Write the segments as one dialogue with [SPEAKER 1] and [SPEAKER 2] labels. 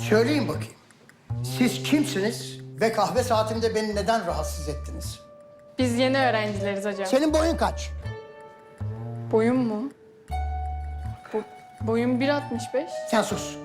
[SPEAKER 1] Söyleyin bakayım. Siz kimsiniz ve kahve saatimde beni neden rahatsız ettiniz?
[SPEAKER 2] Biz yeni öğrencileriz hocam.
[SPEAKER 1] Senin boyun kaç?
[SPEAKER 2] Boyum mu? Boyum 1.65.
[SPEAKER 1] Sen sus.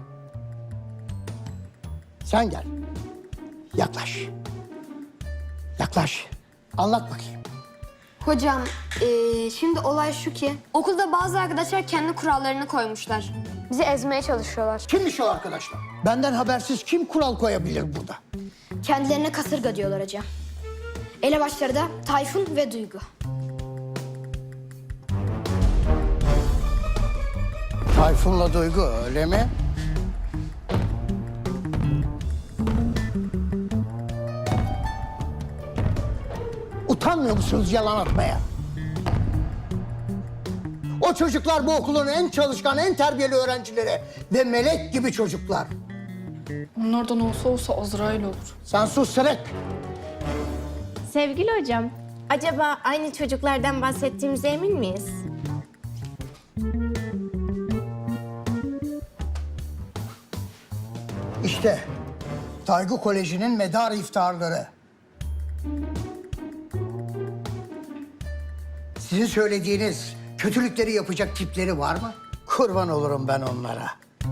[SPEAKER 1] Sen gel. Yaklaş. Yaklaş. Anlat bakayım.
[SPEAKER 3] Hocam, şimdi olay şu ki okulda bazı arkadaşlar kendi kurallarını koymuşlar. Bizi ezmeye çalışıyorlar.
[SPEAKER 1] Kimmiş o arkadaşlar? Benden habersiz kim kural koyabilir burada?
[SPEAKER 3] Kendilerine kasırga diyorlar hocam. Elebaşları da Tayfun ve Duygu.
[SPEAKER 1] Tayfun'la Duygu öyle mi? Utanmıyor musunuz yalan atmaya? O çocuklar bu okulun en çalışkan, en terbiyeli öğrencileri ve melek gibi çocuklar.
[SPEAKER 2] Onlardan olsa Azrail olur.
[SPEAKER 1] Sen sus Sırık.
[SPEAKER 4] Sevgili hocam, acaba aynı çocuklardan bahsettiğimize emin miyiz?
[SPEAKER 1] İşte Taygu Koleji'nin medar iftarları. Sizin söylediğiniz kötülükleri yapacak tipleri var mı? Kurban olurum ben onlara.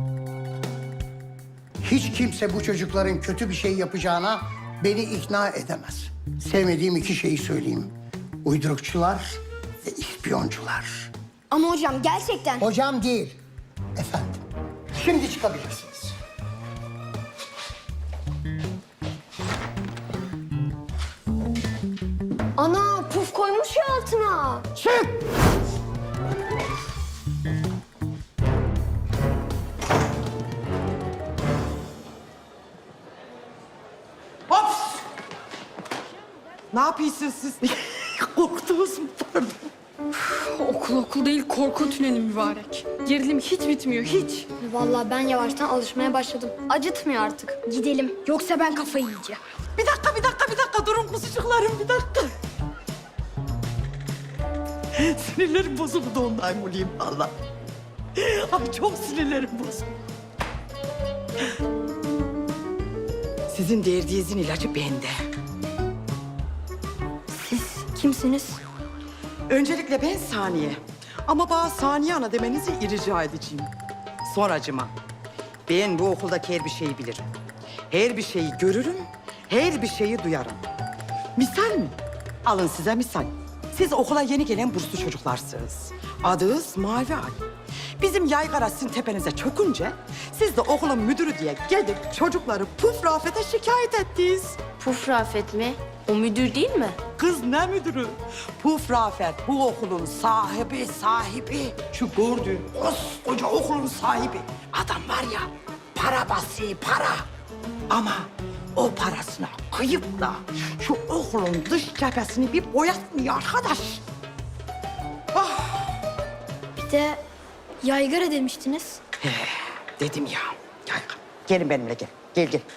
[SPEAKER 1] Hiç kimse bu çocukların kötü bir şey yapacağına beni ikna edemez. Sevmediğim iki şeyi söyleyeyim. Uydurukçular ve ispiyoncular.
[SPEAKER 3] Ama hocam gerçekten...
[SPEAKER 1] Hocam değil, efendim. Şimdi çıkabilirsiniz.
[SPEAKER 3] Ana puf koymuş ya altına.
[SPEAKER 1] Çık!
[SPEAKER 5] Hops! Ne yapıyorsunuz siz? Korktunuz mu? Pardon.
[SPEAKER 2] Okul değil, korku tüneli mübarek. Gerilim hiç bitmiyor, hiç.
[SPEAKER 3] Vallahi ben yavaştan alışmaya başladım. Acıtmıyor artık. Gidelim. Yoksa ben kafayı yiyeceğim.
[SPEAKER 5] Bir dakika. Durun kuzucuklarım, bir dakika. Sinirlerim bozuldu ondan olayım valla. Ay çok sinirlerim bozuldu. Sizin derdinizin ilacı bende.
[SPEAKER 3] Siz kimsiniz?
[SPEAKER 5] Öncelikle ben Saniye. Ama bana Saniye Ana demenizi rica edeceğim. Sonracıma. Ben bu okuldaki her bir şeyi bilirim. Her bir şeyi görürüm, her bir şeyi duyarım. Misal mi? Alın size misal. Siz okula yeni gelen burslu çocuklarsınız. Adınız Mavi Ay. Bizim yaygara sizin tepenize çökünce... ...siz de okulun müdürü diye gelip çocukları Puf Rafet'e şikayet ettiniz.
[SPEAKER 4] Puf Rafet mi? O müdür değil mi?
[SPEAKER 5] Kız ne müdürü? Puf Rafet bu okulun sahibi. Şu gördüğün koskoca okulun sahibi. Adam var ya, para basıyor, para. Ama o parasına kıyıp da şu okulun dış cephesini bir boyatmıyor arkadaş.
[SPEAKER 3] Bir de yaygara demiştiniz.
[SPEAKER 5] Dedim ya. Gel, gelin benimle gel. Gel.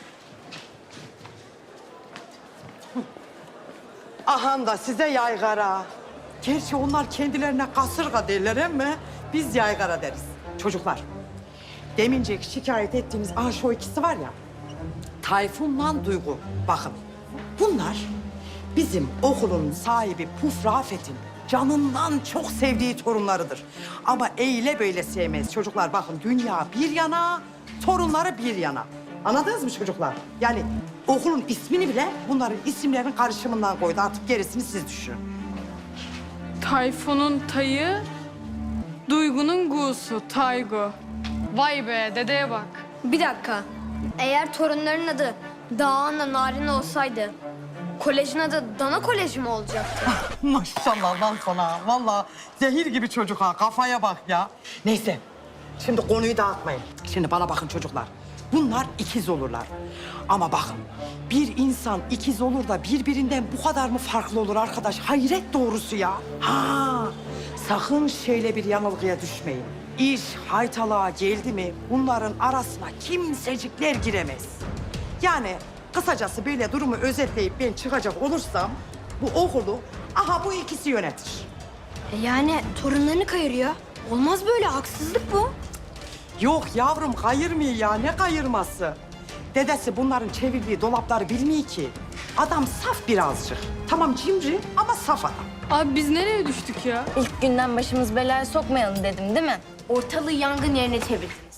[SPEAKER 5] Ahan da size yaygara. Gerçi onlar kendilerine kasırga derler ama biz yaygara deriz. Çocuklar, demincek şikayet ettiğiniz şu ikisi var ya... Tayfun'la Duygu. Bakın, bunlar bizim okulun sahibi Puf Rafet'in canından çok sevdiği torunlarıdır. Ama eyle böyle sevmez. Çocuklar bakın, dünya bir yana, torunları bir yana. Anladınız mı çocuklar? Yani okulun ismini bile bunların isimlerinin karışımından koydu. Artık gerisini siz düşünün.
[SPEAKER 2] Tayfun'un tayı, Duygu'nun gu'su, Taygu. Vay be, dedeye bak.
[SPEAKER 3] Bir dakika. Eğer torunların adı Dağan'la Narin olsaydı... ...kolejin adı Dana Koleji mi olacaktı?
[SPEAKER 5] Maşallah lan sana. Vallahi zehir gibi çocuk ha. Kafaya bak ya. Neyse. Şimdi konuyu dağıtmayın. Şimdi bana bakın çocuklar. Bunlar ikiz olurlar. Ama bakın, bir insan ikiz olur da birbirinden bu kadar mı farklı olur arkadaş? Hayret doğrusu ya. Sakın şöyle bir yanılgıya düşmeyin. İş haytalığa geldi mi bunların arasına kimsecikler giremez. Yani kısacası böyle durumu özetleyip ben çıkacak olursam... ...bu okulu bu ikisi yönetir.
[SPEAKER 3] Yani torunlarını kayırıyor. Olmaz böyle, haksızlık bu.
[SPEAKER 5] Yok yavrum kayırmıyor ya. Ne kayırması? Dedesi bunların çevirdiği dolapları bilmiyor ki. Adam saf birazcık. Tamam cimri ama saf adam.
[SPEAKER 2] Abi biz nereye düştük ya?
[SPEAKER 4] İlk günden başımız belaya sokmayalım dedim değil mi?
[SPEAKER 3] Ortalığı yangın yerine çevirdin.